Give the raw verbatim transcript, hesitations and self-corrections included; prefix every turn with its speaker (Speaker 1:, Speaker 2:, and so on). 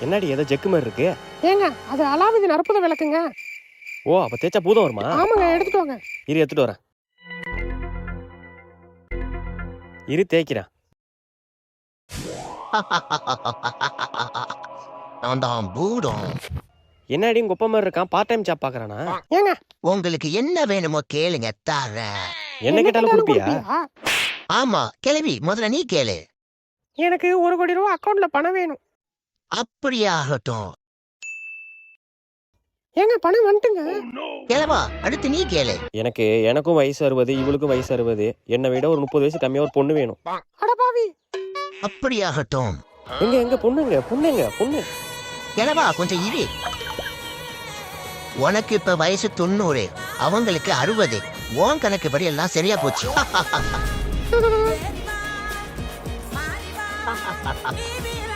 Speaker 1: என்னடி ஏதோ ஜெக்கு மாதிரி இருக்கு?
Speaker 2: ஏங்க அது அலாவுதீன் அற்புத விளக்குங்க.
Speaker 1: ஓ அப்ப தேய்ச்சா பூதம் வருமா?
Speaker 2: ஆமாங்க, எடுத்துட்டு வாங்க.
Speaker 1: இரு எடுத்துட்டு வரேன். இரு தேய்க்கிறேன்.
Speaker 3: நான் தான் பூதம்.
Speaker 1: என்னடி உங்க ஒப்ப மாதிரி இருக்கான்? பார்ட் டைம் ஜாப் பாக்குறானா?
Speaker 2: ஏங்க
Speaker 3: உங்களுக்கு என்ன வேணுமோ கேளுங்க தரேன்.
Speaker 1: என்ன கேட்டாலும் கொடுப்பியா?
Speaker 2: கொடுப்பியா?
Speaker 3: ஆமா கிளவி, முதல்ல நீ கேளு.
Speaker 2: எனக்கு ஒரு கோடி ரூபா அக்கௌண்ட்ல பணம் வேணும்.
Speaker 3: அப்படியே ஆகட்டும்.
Speaker 2: ஏங்க பணம் வந்துட்டுங்க.
Speaker 3: கிளவா, அடுத்து நீ கேளு.
Speaker 1: எனக்கு எனக்கும் வயசு அறுபது, இவளுக்கும் வயசு அறுபது. என்னை விட ஒரு முப்பது வயசு கம்மியா ஒரு பொண்ணு வேணும்.
Speaker 2: அடபாவி.
Speaker 3: அப்படியே ஆகட்டும்.
Speaker 1: எங்க எங்க பொண்ணுங்க பொண்ணுங்க பொண்ணு.
Speaker 3: கிளவா கொஞ்சம் இரு. உனக்கு இப்ப வயசு தொண்ணூறு, அவங்களுக்கு அறுபது. உன் கணக்கு படி எல்லாம் சரியா போச்சு.
Speaker 4: Baby,